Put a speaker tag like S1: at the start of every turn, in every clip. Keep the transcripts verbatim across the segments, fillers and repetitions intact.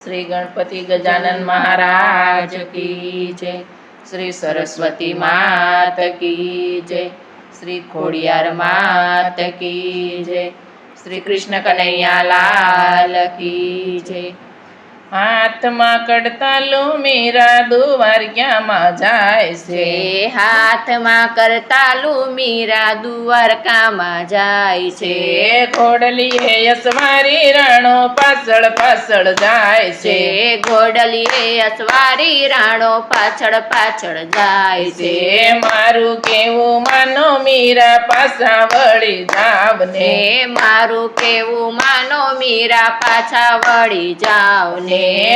S1: श्री गणपति गजानन महाराज की जय। श्री सरस्वती मात की जय। श्री खोडियार मात की जय। श्री कृष्ण कन्हैया लाल की जय। हाथમાં કડતાલું મીરા દ્વારકામાં જાય છે।
S2: હાથમાં કરતાલું મીરા દ્વારકામાં જાય છે।
S1: ઘોડલીએ અસવારી રાણો પાછળ પાછળ જાય છે।
S2: ઘોડલીએ અસવારી રાણો પાછળ પાછળ જાય છે।
S1: મારું કેવું માનો મીરા પાછા વળી જાવ ને।
S2: મારું કેવું માનો મીરા પાછા વળી જાવ ને।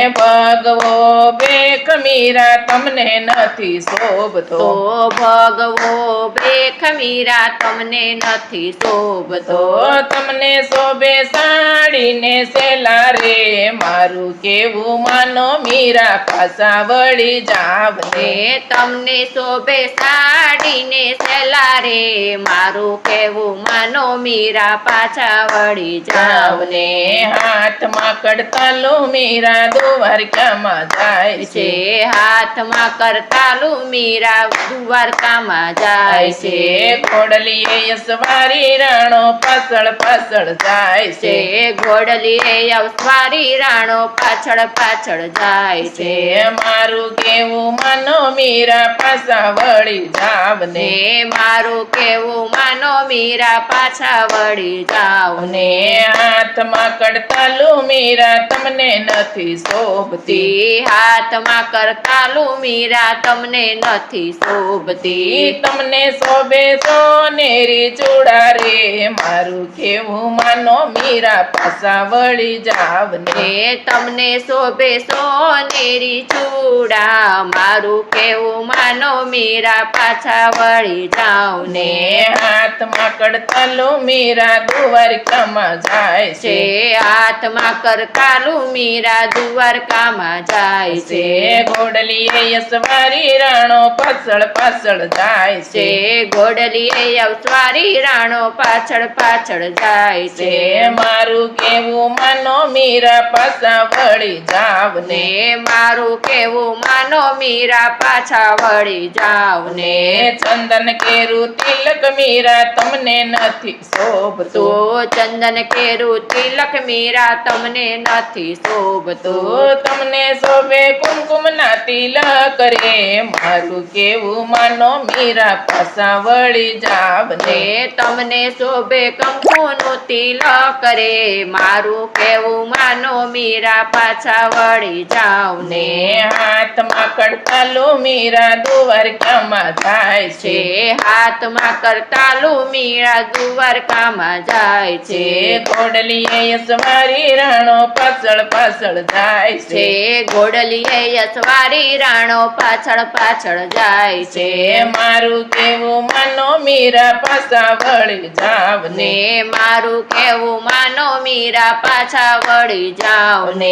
S1: ભગવો ભેખ મીરા તમને નથી શોભતો।
S2: ભગવો ભેખ મીરા તમને નથી શોભતો।
S1: તમને શોભે સાડીને સેલા રે। મારું કેવું માનો મીરા પાછા વળી જાવ ને।
S2: તમને શોભે સાડીને સેલા રે। મારું કેવું માનો મીરા પાછા વળી જાવ ને।
S1: હાથમાં કડતાલું મીરા દ્વારકામાં જાય છે।
S2: હાથમાં કરતાલું મીરા દ્વારકામાં જાય છે।
S1: ઘોડલીએ અસવારી રાણો પાછળ પાછળ જાય છે।
S2: ઘોડલીએ અસવારી રાણો પાછળ પાછળ જાય છે।
S1: મારું કેવું માનો મીરા પાછા વળી જાવ ને।
S2: મારું કેવું માનો મીરા પાછા વળી જાવ ને।
S1: હાથમાં કડતાલું મીરા તમને નથી શોભતી।
S2: હાથમાં કરતાલું મીરા તમને નથી શોભતી।
S1: તમને શોભે સોનેરી ચૂડા રે। મારું કેવું માનો મીરા પાછા વળી જાવ ને।
S2: તમને શોભે સોનેરી ચૂડા। મારું કેવું માનો મીરા પાછા વળી જાવ ને।
S1: હાથમાં કડતાલું મીરા દ્વારકામાં જાય છે।
S2: હાથમાં કરતાલું મીરા દ્વારકામાં જાય છે।
S1: ઘોડલીએ અસવારી રાણો પાછળ પાછળ જાય છે।
S2: ઘોડલીએ અસવારી રાણો પાછળ પાછળ જાય છે।
S1: મારું કેવું માનો મીરા પાછા વળી જાવ ને।
S2: મારું કેવું માનો મીરા પાછા વળી જાવ ને।
S1: ચંદન કેરું તિલક મીરા તમને નથી શોભતો।
S2: ચંદન કેરું તિલક મીરા તમને નથી શોભતો।
S1: તમને શોભે કુમકુમ ના તિલક રે। મારું કેવું માનો મીરા પાછા વળી જાવ ને।
S2: તમને શોભે કંકુનું તિલક રે। મારું કેવું માનો મીરા પાછા વળી જાવ ને।
S1: હાથમાં કડતાલું મીરા દ્વારકામાં જાય છે।
S2: હાથમાં કરતાલું મીરા દ્વારકામાં જાય છે।
S1: ઘોડલીએ અસવારી રાણો પાછળ પાછળ જાય છે।
S2: ઘોડલીએ અસવારી રાણો પાછળ પાછળ જાય છે।
S1: મારું કેવું માનો મીરા પાછા વળી જાવ ને।
S2: મારું કેવું માનો મીરા પાછા વળી જાવ ને।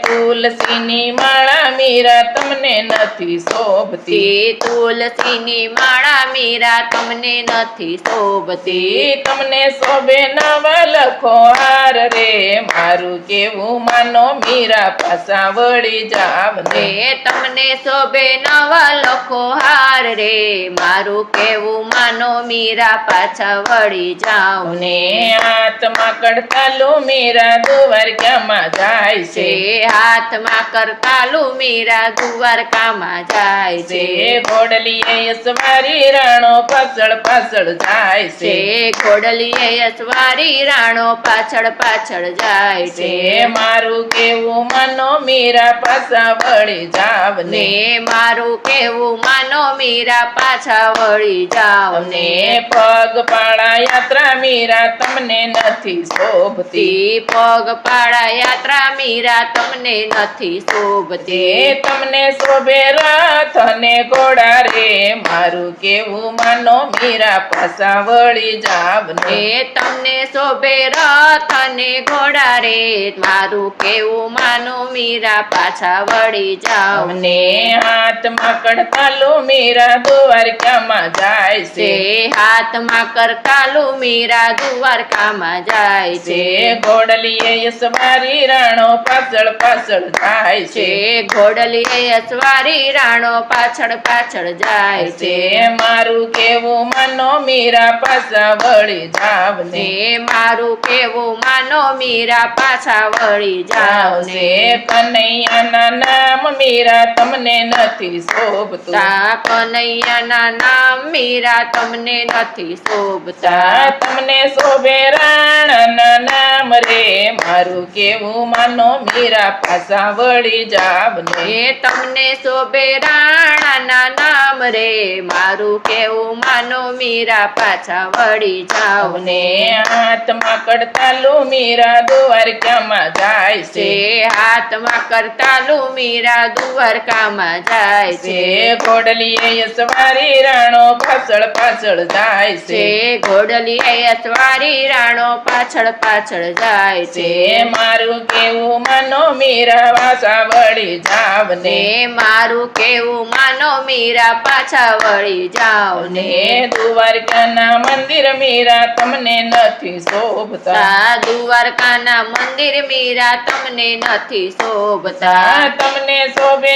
S1: તુલસીની માળા મીરા તમને નથી શોભતી।
S2: તુલસીની માળા મીરા તમને નથી શોભતી।
S1: તમને શોભે નવા લખો હાર રે। મારું કેવું માનો મીરા પાછા વળી જાવ ને।
S2: તમને શોભે નવા લખો હાર રે। મારું કેવું માનો મીરા પાછા વળી જાવ ને।
S1: હાથમાં કડતાલું મીરા દ્વારકામાં જાય છે।
S2: હાથમાં કરતાલું મીરા દ્વારકામાં જાય છે।
S1: ઘોડલીએ અસવારી રાણો પાછળ પાછળ જાય છે।
S2: ઘોડલીએ અસવારી રાણો પાછળ પાછળ જાય છે।
S1: મારું કેવું માનો મીરા પાછા વળી જાવ ને।
S2: મારું કેવું માનો મીરા પાછા વળી જાવ ને।
S1: પગપાળા યાત્રા મીરા તમને નથી શોભતી।
S2: પગપાળા યાત્રા મીરા તમને નથી શોભતી।
S1: તમને શોભે રથ અને ઘોડા રે। મારું કેવું માનો મીરા પાછા વળી જાવ ને।
S2: તમને શોભે રથ અને ઘોડા રે। મારું કેવું માનો માનો મીરા પાછા વળી જાઓ
S1: અમને હાથમાં કડતાલું મીરા દ્વારકામાં જાય
S2: તે
S1: છે
S2: હાથમાં કરતાલું મીરા દ્વારકામાં જાય છે
S1: છે ઘોડલીએ યસવારી રાણો પાછળ પાછળ જાય
S2: છે
S1: છે
S2: ઘોડલીએ અસવારી રાણો પાછળ પાછળ જાય છે
S1: છે મારું કેવું માનો મીરા પાછા વળી જાવ ને
S2: ને મારું કેવું માનો મીરા પાછા વળી જાઓ ને
S1: આવશે કનૈયાના નામ મીરા તમને નથી શોભતું
S2: તા કનૈયાના નામ મીરા તમને નથી શોભતા
S1: તા તમને શોભે રાણાના નામ રે મારું કેવું માનો મીરા પાછા વળી જાવ ને
S2: એ તમને શોભે રાણાના નામ રે મારું કેવું માનો મીરા પાછા વળી જાઓ ને
S1: ને હાથમાં કડતાલું મીરા દ્વારકામાં જાય
S2: તે
S1: છે
S2: હાથમાં કરતાલું મીરા દ્વારકામાં જાય છે
S1: છે ઘોડલીએ યસવારી રાણો પાછળ પાછળ જાય
S2: તે
S1: છે
S2: ઘોડલીએ અસવારી રાણો પાછળ પાછળ જાય છે
S1: છે મારું કેવું માનો મીરા પાછા વળી જાવ ને
S2: ને મારું કેવું માનો મીરા પાછા વળી જાઓ ને
S1: ને દ્વારકાના મંદિર મીરા તમને નથી શોભતા
S2: તા દ્વારકાના મંદિર મીરા તમને નથી શોભતા
S1: તા તમને શોભે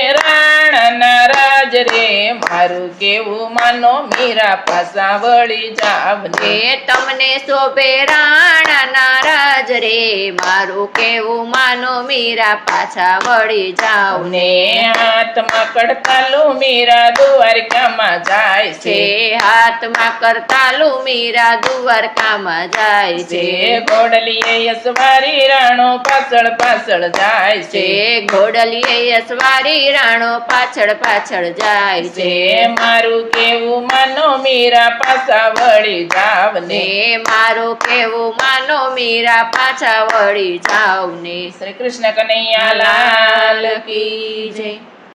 S1: રાણાના રાજ રે મારું કેવું માનો મીરા પાછા વળી જાવ ને
S2: ને તમને શોભે રાણાના રાજ રે મારું કેવું માનો મીરા પાછા વળી જાઓ ને
S1: ને હાથમાં કડતાલું મીરા દ્વારકામાં જાય
S2: તે
S1: છે
S2: હાથમાં કરતાલું મીરા દ્વારકામાં જાય છે
S1: છે ઘોડલીએ યસવારી રાણો પાછળ પાછળ જાય
S2: તે
S1: છે
S2: ઘોડલીએ અસવારી રાણો પાછળ પાછળ જાય છે
S1: છે મારું કેવું માનો મીરા પાછા વળી જાવ ને
S2: ને મારું કેવું માનો મીરા પાછા વળી જાઓ ને
S1: શ્રી કૃષ્ણ કનૈયા લાલ
S2: કી જય.